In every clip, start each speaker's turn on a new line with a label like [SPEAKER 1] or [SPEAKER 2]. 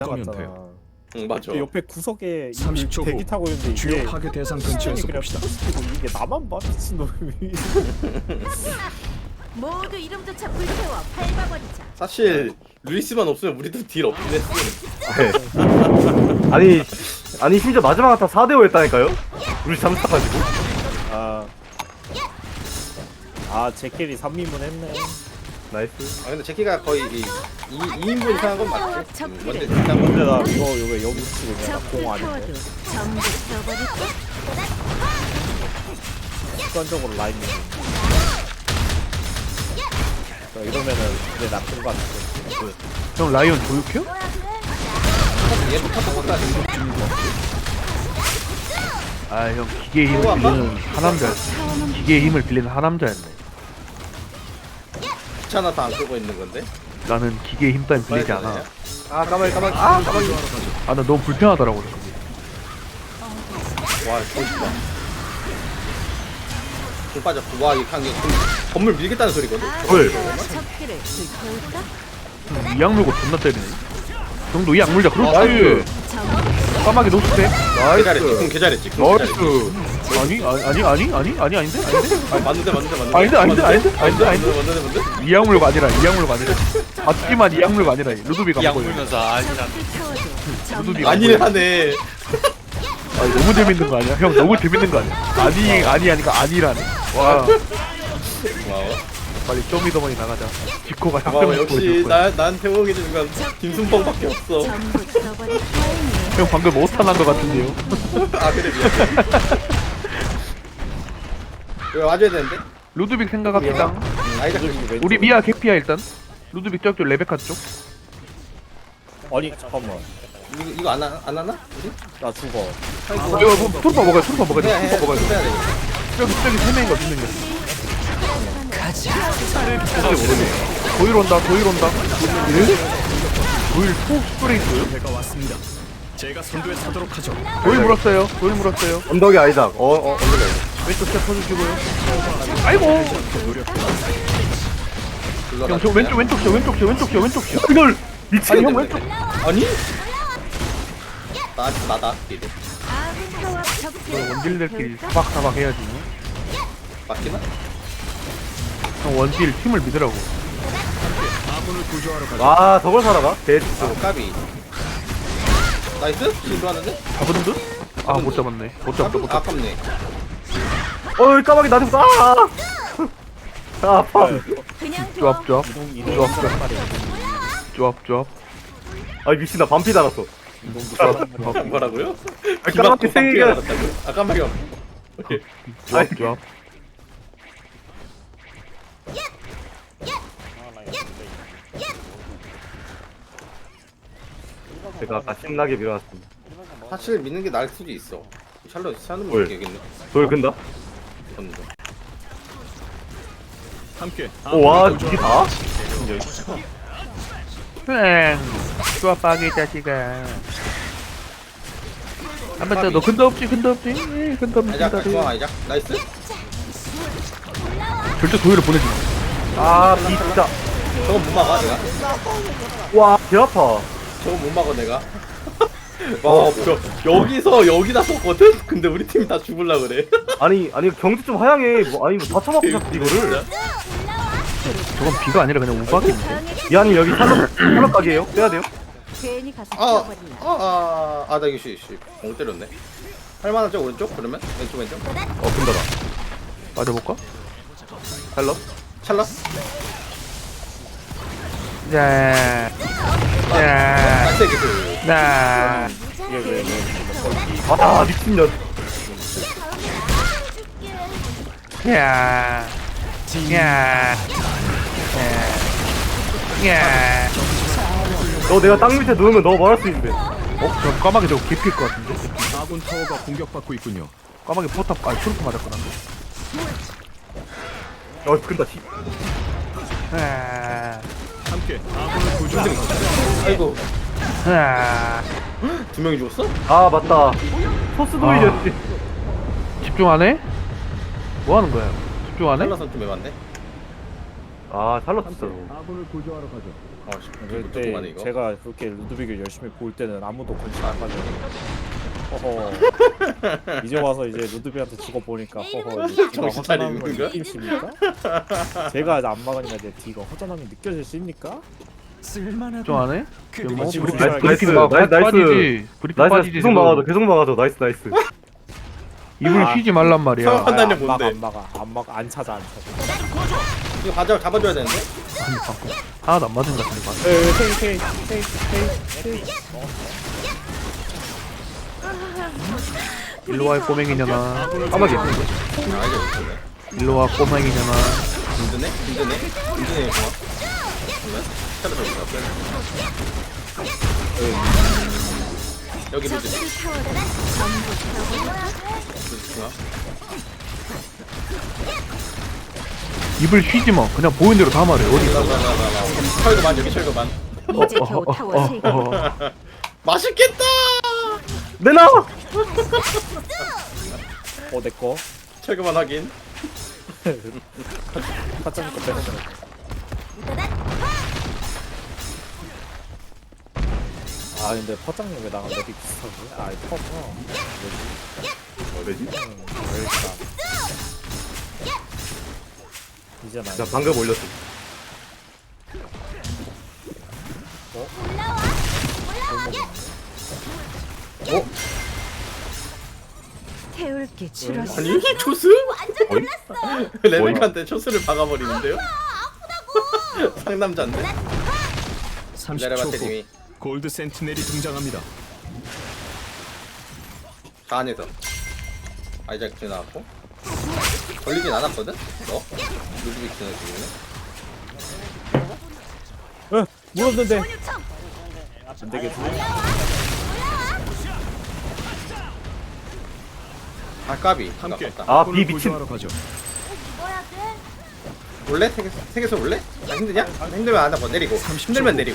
[SPEAKER 1] 나갔잖아.
[SPEAKER 2] 응 맞아.
[SPEAKER 1] 옆에 구석에
[SPEAKER 3] 30초 후
[SPEAKER 1] 대기 타고 있는데
[SPEAKER 3] 주요
[SPEAKER 1] 이게
[SPEAKER 3] 파괴 대상 근처에서
[SPEAKER 1] 그냥
[SPEAKER 3] 봅시다.
[SPEAKER 1] 포스트고 이게 나만 봐 미친놈이.
[SPEAKER 4] 모두 이름조차 불태워 밟아버리자.
[SPEAKER 2] 사실 루이스만 없으면 우리도 딜 없긴 했어.
[SPEAKER 5] 네. 아니 심지어 마지막 한타 4대5 했다니까요? 우리 잠수타가지고.
[SPEAKER 1] 제킬이 3인분 했네.
[SPEAKER 5] 나이스.
[SPEAKER 2] 아 근데 제키가 거의 2인분 이상한 건 맞지. 먼저
[SPEAKER 1] 근데
[SPEAKER 2] 진짜
[SPEAKER 1] 나 이거 여기 치고 그냥
[SPEAKER 4] 적을
[SPEAKER 1] 공
[SPEAKER 4] 태워도
[SPEAKER 1] 아닌데.
[SPEAKER 4] 전부 써버릴게.
[SPEAKER 1] 습관적으로 라인 밀고. 이러면은 이제 나쁜 거 같은데.
[SPEAKER 6] 형 라이온 조육해요?
[SPEAKER 2] 얘도 탔던 것도 아니고.
[SPEAKER 6] 아 형 기계의 힘을
[SPEAKER 2] 또
[SPEAKER 6] 빌리는 하남자였어. 기계의 힘을 빌리는 하남자였네.
[SPEAKER 2] 귀찮아서 안 쓰고 있는 건데.
[SPEAKER 6] 나는 기계의 힘 따윈 빌리지 않아.
[SPEAKER 2] 아 까마귀. 아 까마귀.
[SPEAKER 6] 아 나 너무 불편하더라고 그게.
[SPEAKER 2] 와 멋있다. 공 빠졌고 와 이게 한게 건물 밀겠다는 소리거든.
[SPEAKER 6] 헐.
[SPEAKER 4] 적기를 불태울까?
[SPEAKER 6] 이악 물고 존나 때리네. 형도 이악 물자. 그렇지.
[SPEAKER 5] 나이스.
[SPEAKER 4] 전부
[SPEAKER 6] 까마귀 노스페.
[SPEAKER 2] 개 잘했지. 공 개 잘했지. 공 개 잘했지.
[SPEAKER 6] 아닌데?
[SPEAKER 2] 뭔데.
[SPEAKER 6] 이악 물고 아니라. 맞지만 이악 물고 아니라. 루드비가
[SPEAKER 7] 약
[SPEAKER 6] 먹어요.
[SPEAKER 7] 물면서 아니라
[SPEAKER 4] 태워도 전부
[SPEAKER 6] 루드비가
[SPEAKER 2] 아니네 하네.
[SPEAKER 6] 아니 너무 재밌는 거 아니야? 형 너무 재밌는 거 아니야? 아니 하니까 아니라네. 와
[SPEAKER 2] 고마워.
[SPEAKER 6] 빨리 쇼미더머니 나가자. 지코가
[SPEAKER 2] 고마워.
[SPEAKER 6] 혁명을
[SPEAKER 2] 역시
[SPEAKER 6] 보여줄 거야.
[SPEAKER 2] 나한테 오게 되는 건 김순봉밖에 없어.
[SPEAKER 4] 전부 써버릴 타이밍.
[SPEAKER 6] 형 방금 오탄한 거 같은데요?
[SPEAKER 2] 아 그래 미안. 왜 와줘야 되는데?
[SPEAKER 6] 루드빅 생각합니다.
[SPEAKER 2] 아이작
[SPEAKER 6] 우리 미아 개피야 일단. 루드빅 저쪽 레베카 쪽.
[SPEAKER 1] 아니 잠깐만.
[SPEAKER 2] 이거 안 하나? 우리?
[SPEAKER 1] 나 죽어.
[SPEAKER 6] 이거 뭐 투르파 먹어야 투르파 먹어야 돼. 투르파 먹어야 돼.
[SPEAKER 2] 해야 돼.
[SPEAKER 6] 저기 세 명인가 두 명이야. 도일 온다. 도일 포 스프레이트.
[SPEAKER 3] 배가 왔습니다. 제가 선두에 서도록 하죠.
[SPEAKER 6] 도일 물었어요.
[SPEAKER 5] 언덕이 아이작. 언덕이 아이작.
[SPEAKER 6] 왼쪽 스텝 쳐주시고요. 아이고. 형 저 왼쪽 쳐.
[SPEAKER 5] 이걸
[SPEAKER 6] 아니 형 왼쪽.
[SPEAKER 2] 아니? 나다. 이래.
[SPEAKER 4] 아군 타워 적기를
[SPEAKER 6] 원딜들끼리 사박사박 해야지.
[SPEAKER 2] 맞기나?
[SPEAKER 6] 형 원딜 팀을 믿으라고.
[SPEAKER 3] 아군을 구조하러 가죠.
[SPEAKER 5] 와 저걸 살아가? 대.
[SPEAKER 2] 까비. 나이스? 실수하는데?
[SPEAKER 6] 잡은 듯? 아 못 잡았네. 못 잡았다.
[SPEAKER 2] 아깝네.
[SPEAKER 5] 어이 까마귀 나한테 붙어. 아 아파.
[SPEAKER 4] 그냥 둬.
[SPEAKER 6] 조합.
[SPEAKER 5] 아 미친나 반피 달았어.
[SPEAKER 2] 뭐라고요?
[SPEAKER 5] 까마귀 생일이야.
[SPEAKER 2] 아 깜빡이야. 오케이.
[SPEAKER 6] 조합.
[SPEAKER 5] 제가 아까 신나게 밀어놨습니다.
[SPEAKER 2] 사실 믿는 게 나을 수도 있어. 샬롯 사는
[SPEAKER 5] 뭘?
[SPEAKER 2] 거 얘기했네.
[SPEAKER 5] 돌 근다?
[SPEAKER 2] 던져.
[SPEAKER 3] 함께
[SPEAKER 5] 오와
[SPEAKER 3] 아군을
[SPEAKER 5] 이게
[SPEAKER 3] 구조하러
[SPEAKER 5] 다?
[SPEAKER 6] 조합 빠개 자식아. 한번 더. 너 근데 없지. 근데
[SPEAKER 2] 아이작 중앙 아이작. 나이스.
[SPEAKER 6] 절대 도일을 보내지 마.
[SPEAKER 5] 아 진짜.
[SPEAKER 2] 저거 못 막아 내가.
[SPEAKER 5] 와개 아파.
[SPEAKER 2] 저거 못 막아 내가. 와, 여기다 썼거든? 근데 우리 팀이 다 죽을라 그래.
[SPEAKER 5] 아니 경기 좀 하향해. 뭐 아니 다 쳐먹고 자꾸 이거를.
[SPEAKER 6] 저건 비가 아니라 그냥 우박인데.
[SPEAKER 5] 미안이 여기 살로 가게에요. 빼야 돼요.
[SPEAKER 4] 괜히 가서
[SPEAKER 2] 아,
[SPEAKER 4] 죽어버리나.
[SPEAKER 2] 나 이거 공 때렸네. 할만하죠 오른쪽? 그러면 왼쪽.
[SPEAKER 5] 근다다.
[SPEAKER 6] 맞아볼까?
[SPEAKER 5] 헬로.
[SPEAKER 2] 찰나?
[SPEAKER 6] 자.
[SPEAKER 2] 나이스 기술.
[SPEAKER 6] 자.
[SPEAKER 5] 아 미친년.
[SPEAKER 6] 야.
[SPEAKER 5] 너 내가 땅 밑에 누우면 너 말할 수 있는데.
[SPEAKER 6] 저 까마귀 저거 개피일 것 같은데?
[SPEAKER 3] 아군 타워가 공격받고 있군요.
[SPEAKER 6] 까마귀 포탑, 트루프 맞았구나.
[SPEAKER 5] 근다.
[SPEAKER 3] 함께 아군을 구조하러 가죠.
[SPEAKER 2] 아이고 두 명이 죽었어?
[SPEAKER 5] 아 맞다. 소스 도일이었지.
[SPEAKER 6] 집중 안 해? 뭐 하는 거야? 집중 안 해?
[SPEAKER 2] 찰나선 좀 해봤네.
[SPEAKER 5] 아 샬롯 진짜.
[SPEAKER 3] 아군을 구조하러 가죠.
[SPEAKER 2] 그때
[SPEAKER 1] 그때
[SPEAKER 2] 이거.
[SPEAKER 1] 제가 그렇게 루드빅을 열심히 볼 때는 아무도 관심 안 가져요. 허허. 이제 와서 이제 루드빅한테 죽어보니까 허허. 이제 뒤가
[SPEAKER 2] 정신 차리는
[SPEAKER 1] 허전함을
[SPEAKER 2] 건가?
[SPEAKER 1] 느끼십니까? 제가 이제 안 막으니까 내 뒤가 허전함이 느껴지십니까?
[SPEAKER 6] 좀 안 해? 뭐
[SPEAKER 1] 지금
[SPEAKER 6] 브리핑
[SPEAKER 1] 나이스,
[SPEAKER 6] 브리핑
[SPEAKER 5] 나이스, 나이스.
[SPEAKER 6] 빠지지. 브리핑
[SPEAKER 5] 나이스
[SPEAKER 6] 빠지지.
[SPEAKER 5] 계속 막아줘 계속 막아줘 나이스 나이스.
[SPEAKER 6] 입을
[SPEAKER 1] 아.
[SPEAKER 6] 쉬지 말란 말이야.
[SPEAKER 2] 상- 판단이
[SPEAKER 1] 안 막아
[SPEAKER 2] 뭔데?
[SPEAKER 1] 안 막아 안 찾아.
[SPEAKER 2] 이거 잡아줘야 되는데.
[SPEAKER 6] 아니 방금 하나도 안 맞은 것 같은데. 방금.
[SPEAKER 1] 테이.
[SPEAKER 6] 일로 와 꼬맹이냐나.
[SPEAKER 5] 까마귀.
[SPEAKER 2] 아 이제 못했네.
[SPEAKER 6] 일로 와 꼬맹이냐나.
[SPEAKER 2] 힘드네. 이거 좋아. 그러면 차를 더 볼까? 여기 루드.
[SPEAKER 4] 적들이 타워를 전부 태워버릴까?
[SPEAKER 2] 루드 중앙.
[SPEAKER 6] 입을 쉬지 마. 그냥 보이는 대로 다 말해. 어디?
[SPEAKER 2] 나. 철거만 여기 철거만.
[SPEAKER 4] 이제 겨우 타워 3개.
[SPEAKER 2] 맛있겠다.
[SPEAKER 5] 내놔.
[SPEAKER 1] 내꺼.
[SPEAKER 2] 철거만 하긴.
[SPEAKER 1] 파짜니까 빼는 거. 아 근데 파장님 왜 나랑 랩이 비슷하지? 아 퍼구나.
[SPEAKER 5] 뭐지?
[SPEAKER 1] 왜일까? 이제 나.
[SPEAKER 5] 자 방금 올렸어.
[SPEAKER 4] 태울게 줄었어.
[SPEAKER 2] 아니 초스? 레벨한테 초스를 박아버리는데요? 상남자인데? 기다려봐
[SPEAKER 3] 30초 후
[SPEAKER 2] 태님이
[SPEAKER 3] 골드 센티넬이 등장합니다.
[SPEAKER 2] 다 안에서 아이작 지나갔고 걸리진 않았거든? 너? 루드빅 지나지기는
[SPEAKER 1] 물었는데. 안 되겠지?
[SPEAKER 2] 아 까비
[SPEAKER 3] 함께
[SPEAKER 2] 아깝다
[SPEAKER 5] 아,
[SPEAKER 3] 아군을
[SPEAKER 5] 비 미친.
[SPEAKER 3] 구조하러 가죠.
[SPEAKER 2] 올래? 세계에서 올래? 아 힘드냐? 힘들면 안 하고 내리고 힘들면 내리고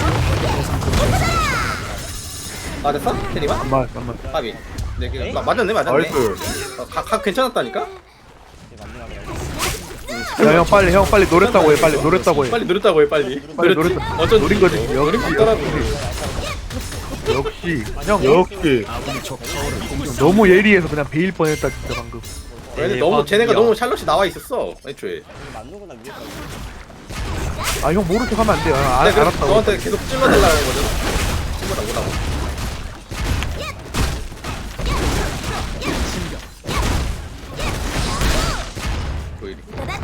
[SPEAKER 2] 아 됐어? 테리마?
[SPEAKER 6] 잠깐만.
[SPEAKER 2] 까비 네, 맞았네
[SPEAKER 5] 나이스.
[SPEAKER 2] 각 괜찮았다니까?
[SPEAKER 6] 형 빨리 노렸다고 해. 빨리 노렸다고 해.
[SPEAKER 2] 빨리 누렸다고 해 빨리
[SPEAKER 6] 빨리
[SPEAKER 2] 누렸지?
[SPEAKER 6] 노렸다.
[SPEAKER 2] 어쩐지
[SPEAKER 6] 노린 거지.
[SPEAKER 2] 노린
[SPEAKER 6] 역시,
[SPEAKER 2] 거더라고
[SPEAKER 6] 역시 형
[SPEAKER 5] 역시.
[SPEAKER 3] 아군이 적 타워를 공격.
[SPEAKER 6] 너무 예리해서 그냥 베일 뻔했다 진짜 방금.
[SPEAKER 2] 근데 너무 쟤네가 너무 샬롯이 나와 있었어 애초에
[SPEAKER 6] 아 형 모른 척하면 안 돼요. 아,
[SPEAKER 2] 내가 그래서
[SPEAKER 6] 알았다고.
[SPEAKER 2] 너한테 계속 찔러달라고 하거든 찔러라고 보이리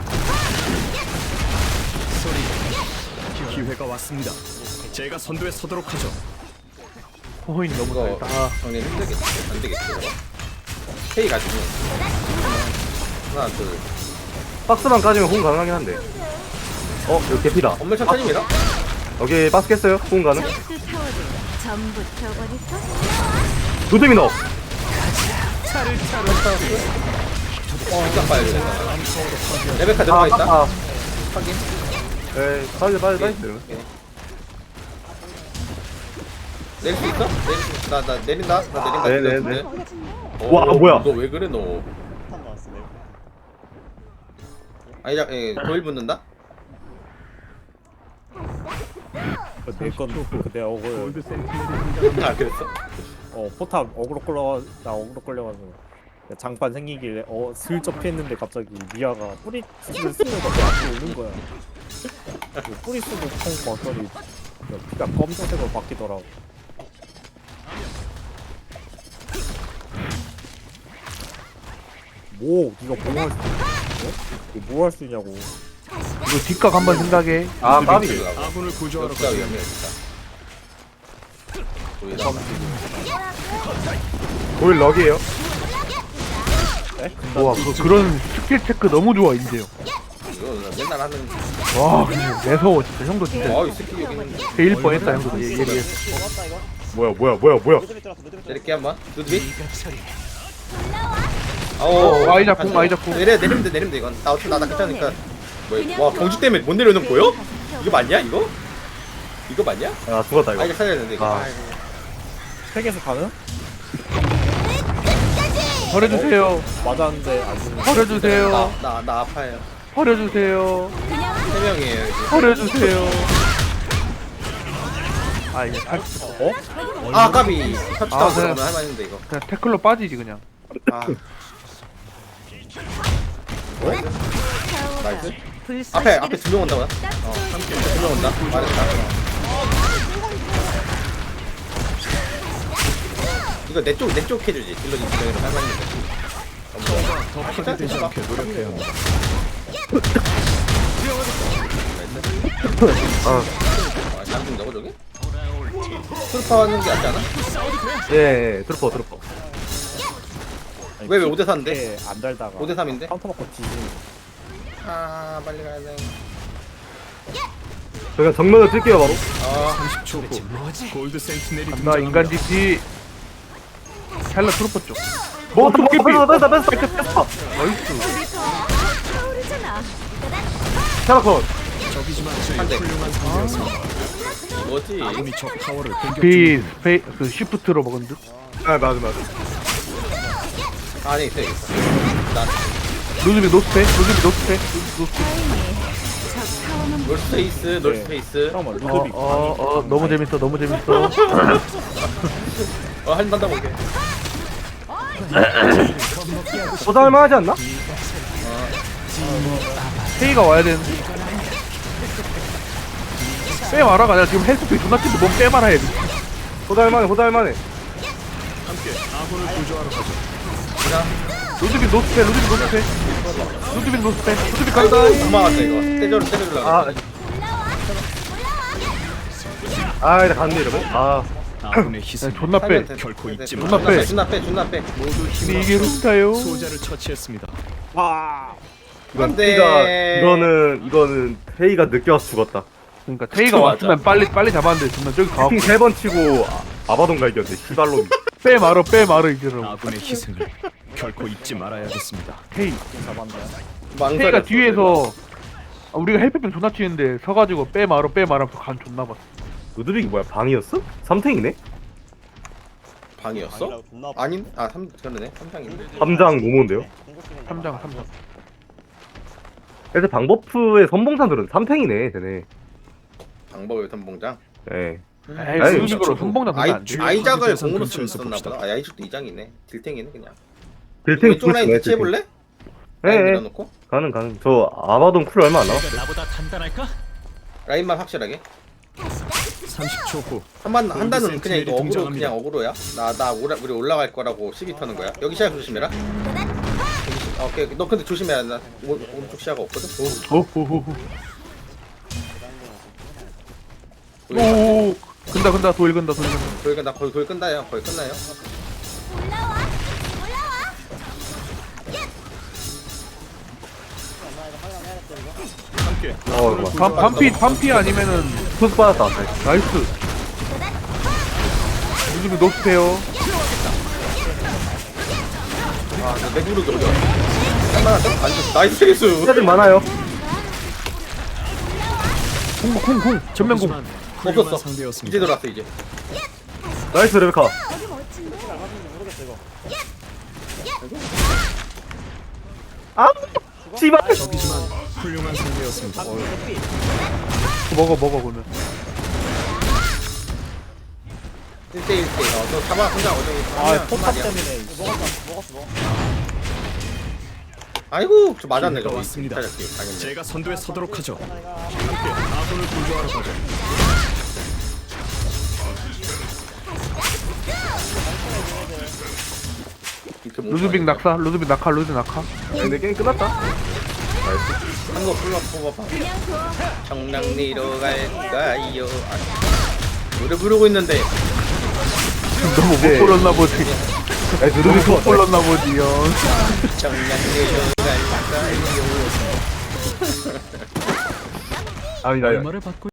[SPEAKER 3] 기회가 왔습니다. 제가 선두에 서도록 하죠.
[SPEAKER 6] 호인이 너무
[SPEAKER 2] 이거
[SPEAKER 6] 잘했다. 아,
[SPEAKER 2] 정리 힘들겠지 안 되겠지 K 가지고 하나 둘
[SPEAKER 5] 박스만 까지면 호응 가능하긴 한데. 이거 개피다.
[SPEAKER 2] 건물 천천히 밀어
[SPEAKER 5] 여기 박스 깼어요? 호응 가능?
[SPEAKER 4] 적들 타워를 전부 태워버릴까?
[SPEAKER 5] 루드빅 넣어.
[SPEAKER 2] 시작 봐야 돼 레베카 들어가 있다
[SPEAKER 5] 아.
[SPEAKER 2] 확인
[SPEAKER 5] 에이 빨리.
[SPEAKER 2] 내릴 수 있어? 나 내린다 나
[SPEAKER 5] 네네네.
[SPEAKER 2] 내린다
[SPEAKER 5] 와, 뭐야?
[SPEAKER 2] 너 왜 그래 너 아니자 도일 붙는다?
[SPEAKER 1] 내건 그내 어글.
[SPEAKER 3] 골드 센티넬이 등장합니다.
[SPEAKER 2] 아 그랬어?
[SPEAKER 1] 포탑 어그로 끌려가지고 장판 생기길래 슬쩍 피했는데 갑자기 미아가 뿌리 쓰면서 내 앞에 오는 거야. 뿌리 쓰고 콩 봤더니 피가 검정색으로 바뀌더라고. 니가 뭐 할 수 있어? 뭐 할 수 있냐고.
[SPEAKER 6] 이거 뒷각 한번 생각해.
[SPEAKER 5] 아 까비.
[SPEAKER 3] 아군을 구조하러
[SPEAKER 2] 역사
[SPEAKER 3] 가죠.
[SPEAKER 2] 위험해 진짜 도일
[SPEAKER 5] 오일 럭이에요.
[SPEAKER 6] 와 그런 스킬 체크 너무 좋아 인재요.
[SPEAKER 2] 이거 나 맨날 하는
[SPEAKER 6] 와 그냥 매서워 진짜. 형도 진짜
[SPEAKER 2] 이 스킬 여기 있는데
[SPEAKER 6] 베일 뻔했다 형도 예리해서.
[SPEAKER 5] 뭐야.
[SPEAKER 2] 내릴게 한번 루드빅
[SPEAKER 6] 아이작 공 아이작 공.
[SPEAKER 2] 내리면 돼 이건 나 어차피 나 괜찮으니까 와 경주 때문에 못 내려오는 거 보여? 이거 맞냐 이거? 이거 맞냐?
[SPEAKER 5] 아 죽었다 이거.
[SPEAKER 2] 이제 살려야 되는데 이거
[SPEAKER 5] 아.
[SPEAKER 1] 팩에서 가는?
[SPEAKER 6] 버려주세요.
[SPEAKER 1] 맞았는데 아직
[SPEAKER 6] 버려주세요.
[SPEAKER 2] 나 아파요
[SPEAKER 6] 버려주세요.
[SPEAKER 2] 세 명이에요 이제.
[SPEAKER 6] 버려주세요. 아 이제
[SPEAKER 2] 아 까비. 터치다운
[SPEAKER 6] 아,
[SPEAKER 2] 들어가면
[SPEAKER 6] 네.
[SPEAKER 2] 할만했는데 이거.
[SPEAKER 6] 그냥 태클로 빠지지 그냥.
[SPEAKER 2] 아 나이스.
[SPEAKER 4] 불쏘시개를
[SPEAKER 2] 앞에 두 명 온다고요? 두 명 온다. 말했다. 이거 내 쪽 해주지. 딜러진 두 명이랑 할만했는데.
[SPEAKER 3] 더 파괴되지 않게 노력해야 합니다.
[SPEAKER 2] 아, 잘 죽는다고 저기? 트루파 하는 게 낫지 않아?
[SPEAKER 5] 예, 트루퍼.
[SPEAKER 2] 왜 5대4인데?
[SPEAKER 1] 안 달다가
[SPEAKER 2] 5대3인데?
[SPEAKER 1] 카운터 받고 뒤지는
[SPEAKER 2] 아 빨리 가야 돼.
[SPEAKER 5] 그냥 정면을 뛸게요 바로.
[SPEAKER 2] 아
[SPEAKER 3] 30초 후 골드 센티넬이
[SPEAKER 6] 나
[SPEAKER 3] 등장합니다.
[SPEAKER 6] 인간 DP. 샬럿 트루퍼 쪽.
[SPEAKER 5] 뭐
[SPEAKER 6] 도끼
[SPEAKER 5] 뺐어.
[SPEAKER 6] 나이스.
[SPEAKER 4] 타오르잖아.
[SPEAKER 5] 샤라콘.
[SPEAKER 3] 적이지만
[SPEAKER 2] 한 대.
[SPEAKER 3] 훌륭한 상대였습니다.
[SPEAKER 2] 뭐지?
[SPEAKER 3] 아군이 적 타워를 공격
[SPEAKER 6] 비
[SPEAKER 3] 중입니다.
[SPEAKER 6] 스페이 그 시프트로 먹은 듯.
[SPEAKER 5] 아 맞아.
[SPEAKER 2] 안에 있어 있어.
[SPEAKER 6] 루즈비 노스페.
[SPEAKER 4] 다행히 적 타워는
[SPEAKER 2] 놀스페이스.
[SPEAKER 1] 잠깐만 루드빅
[SPEAKER 6] 너무 재밌어.
[SPEAKER 2] 한번더 볼게.
[SPEAKER 5] 보살만 하지 않나?
[SPEAKER 6] 페이가 와야 되는데. 빼마라가 아니라 지금 헬스페이 존나 찐데 뭔 빼마라 해야 돼.
[SPEAKER 5] 보살만해.
[SPEAKER 3] 함께 아군을 구조하러 가죠.
[SPEAKER 6] 루즈비 노스페. 루즈비 간다.
[SPEAKER 2] 도망갔다 이거. 때려주려고.
[SPEAKER 5] 나 갔네 이러면.
[SPEAKER 3] 아군의 희생
[SPEAKER 6] 존나 빼.
[SPEAKER 3] 결코 잊지
[SPEAKER 6] 존나
[SPEAKER 3] 마.
[SPEAKER 6] 빼.
[SPEAKER 2] 존나 빼.
[SPEAKER 3] 모두
[SPEAKER 6] 이게
[SPEAKER 3] 힘을
[SPEAKER 6] 루스타요.
[SPEAKER 3] 소자를 처치했습니다.
[SPEAKER 5] 이건
[SPEAKER 2] 안 돼.
[SPEAKER 5] 이거는 페이가 늦게 와서 죽었다.
[SPEAKER 6] 그러니까 테이가
[SPEAKER 2] 맞아.
[SPEAKER 6] 왔으면 빨리 잡았는데 존나 저기 가고
[SPEAKER 5] 킹 3번 치고 아바돈 갈겼네. 시발놈이.
[SPEAKER 6] 빼마러 이제는.
[SPEAKER 3] 아군의 희생을 결코 잊지 말아야겠습니다.
[SPEAKER 6] 테이.
[SPEAKER 2] 망설였어.
[SPEAKER 6] 테이가 뒤에서 우리가 헬페병 존나 치는데 서가지고 빼마러 하면서 간 존나 봤어.
[SPEAKER 5] 루드빅이 뭐야? 방이었어? 3탱이네?
[SPEAKER 2] 방이었어? 아닌? 아 3, 그러네 3장인데
[SPEAKER 5] 3장 노모인데요?
[SPEAKER 6] 3장.
[SPEAKER 5] 애들 방버프의 선봉산들은 3탱이네 쟤네.
[SPEAKER 2] 방법의 선봉장.
[SPEAKER 5] 예.
[SPEAKER 6] 에이
[SPEAKER 5] 아니,
[SPEAKER 6] 그런 식으로 선봉장 그게 안 돼.
[SPEAKER 2] 아이작을
[SPEAKER 3] 파괴대상
[SPEAKER 2] 공으로
[SPEAKER 3] 근처에서
[SPEAKER 2] 쓰나
[SPEAKER 3] 봅시다.
[SPEAKER 2] 보다. 아 야이작도 2장이네. 딜탱이네 그냥.
[SPEAKER 5] 빌탱
[SPEAKER 2] 왼쪽 라인 대체해볼래? 라인
[SPEAKER 5] 예.
[SPEAKER 2] 밀어놓고
[SPEAKER 5] 가능. 저 아바돈 쿨 얼마 안 남았어.
[SPEAKER 3] 나보다 단단할까?
[SPEAKER 2] 라인만 확실하게.
[SPEAKER 3] 30초 후
[SPEAKER 2] 한단은 그냥 이거 어그로
[SPEAKER 3] 등장합니다.
[SPEAKER 2] 그냥 어그로야. 우리 올라갈 거라고 시비 터는 거야. 여기 시야 조심해라. 오케이. 너 근데 조심해야 나 오른쪽 시야가 없거든.
[SPEAKER 6] 오. 근다 도일 근다.
[SPEAKER 2] 거기가 나 거의 끝나요. 거의 끝나요.
[SPEAKER 3] 함께
[SPEAKER 6] 반피 아니면은
[SPEAKER 5] 투스 받았다.
[SPEAKER 6] 나이스. 루즈비 노스페요.
[SPEAKER 2] 아, 맥부르기 어려워. 할만하죠? 나이스 레이스.
[SPEAKER 5] 스타들 많아요.
[SPEAKER 6] 쿵 전면공.
[SPEAKER 3] 하지만 훌륭한
[SPEAKER 2] 없었어.
[SPEAKER 3] 상대였습니다.
[SPEAKER 2] 이제 들어왔어 이제.
[SPEAKER 5] 나이스 레베카. 씨발.
[SPEAKER 3] 적이지만 훌륭한 상대였습니다.
[SPEAKER 6] 먹어 그러면.
[SPEAKER 2] 1대1 너 잡아 혼자 어디
[SPEAKER 1] 포탑 때문에
[SPEAKER 2] 아이고 저 맞았네
[SPEAKER 3] 기회가
[SPEAKER 2] 저거.
[SPEAKER 3] 왔습니다.
[SPEAKER 2] 잘했지, 당연히.
[SPEAKER 3] 제가 선두에 서도록 하죠. 함께 아군을 구조하러 가죠.
[SPEAKER 2] 이렇게 못
[SPEAKER 6] 루즈빅
[SPEAKER 2] 맞았네.
[SPEAKER 6] 낙하.
[SPEAKER 5] 근데 게임 끝났다.
[SPEAKER 2] 한거 뽑아봐. 청량리로 갈까요? 아, 노래 부르고 있는데
[SPEAKER 6] 너무 못
[SPEAKER 5] 네.
[SPEAKER 6] 골랐나 보지.
[SPEAKER 5] 루드빅
[SPEAKER 6] 못 골랐나 보지요.
[SPEAKER 2] 청량리로 갈까요?
[SPEAKER 5] 아니다.
[SPEAKER 3] 얼마를 받고